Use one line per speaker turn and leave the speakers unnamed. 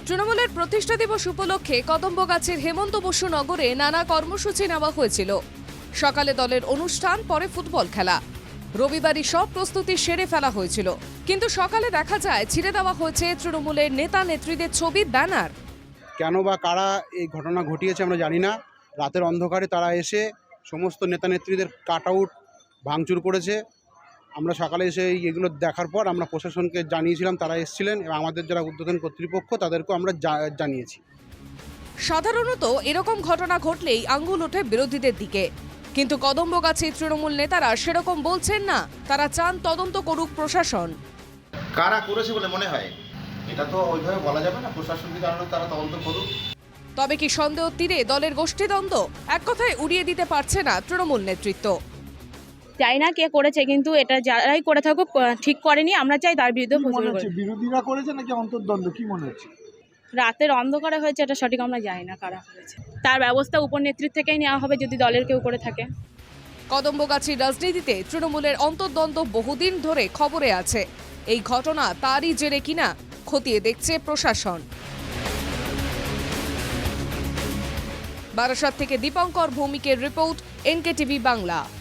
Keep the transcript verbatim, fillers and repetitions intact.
তৃণমূলের প্রতিষ্ঠা দিবস উপলক্ষে কদম্বগাছির হেমন্ত বসু নগরে নানা কর্মসূচি নেওয়া হয়েছিল। সকালে দলের অনুষ্ঠান, পরে ফুটবল খেলা। রবিবারই সব প্রস্তুতি সেরে ফেলা হয়েছিল, কিন্তু সকালে দেখা যায় ছিঁড়ে দেওয়া হয়েছে তৃণমূলের নেতা নেত্রীদের ছবির ব্যানার।
কেন বা কারা এই ঘটনা ঘটিয়েছে আমরা জানি না। রাতের অন্ধকারে তারা এসে সমস্ত নেতা নেত্রীদের কাট আউট ভাঙচুর করেছে। আমরা সকালে এসে এগুলো দেখার পর আমরা প্রশাসনকে জানিয়েছিলাম, তারা এসেছিলেন এবং আমাদের যারা উদ্বোধন কর্তৃপক্ষ তাদেরকেও আমরা জানিয়েছি।
সাধারণত এরকম ঘটনা ঘটলেই আঙ্গুল ওঠে বিরোধীদের দিকে, কিন্তু কদম্বগাছি তৃণমূল নেতারা সেরকম বলছেন না। তারা চান তদন্ত করুক প্রশাসন।
কারা করেছে বলে মনে হয় এটা তো ওইভাবে বলা যাবে না, প্রশাসনকে জানানো, তারা তদন্ত করুক।
তবে কি সন্দেহ তীরে দলের গোষ্ঠীদ্বন্দ্ব? এক কথায় উড়িয়ে দিতে পারছে না তৃণমূল নেতৃত্ব।
চাই না কে করেছে, কিন্তু এটা যারাই করে থাকুক ঠিক করেনি, আমরা চাই তার বিরুদ্ধে
বিরোধীরা করেছে নাকি অন্তর্দ্বন্দ্ব, কি মনে হচ্ছে?
রাতের অন্ধকারে হয়েছে, এটা সঠিক আমরা জানি না কারা করেছে। তার ব্যবস্থা উপর নেতৃত্ব থেকেই নেওয়া হবে যদি দলের কেউ করে থাকে।
কদম্বগাছির রাজনীতিতে তৃণমূলের অন্তর্দ্বন্দ্ব বহুদিন ধরে খবরে আছে। এই ঘটনা তারই জেরে কিনা খতিয়ে দেখছে প্রশাসন। বারাসাত থেকে দীপঙ্কর ভৌমিকের রিপোর্ট, এনকে টিভি বাংলা।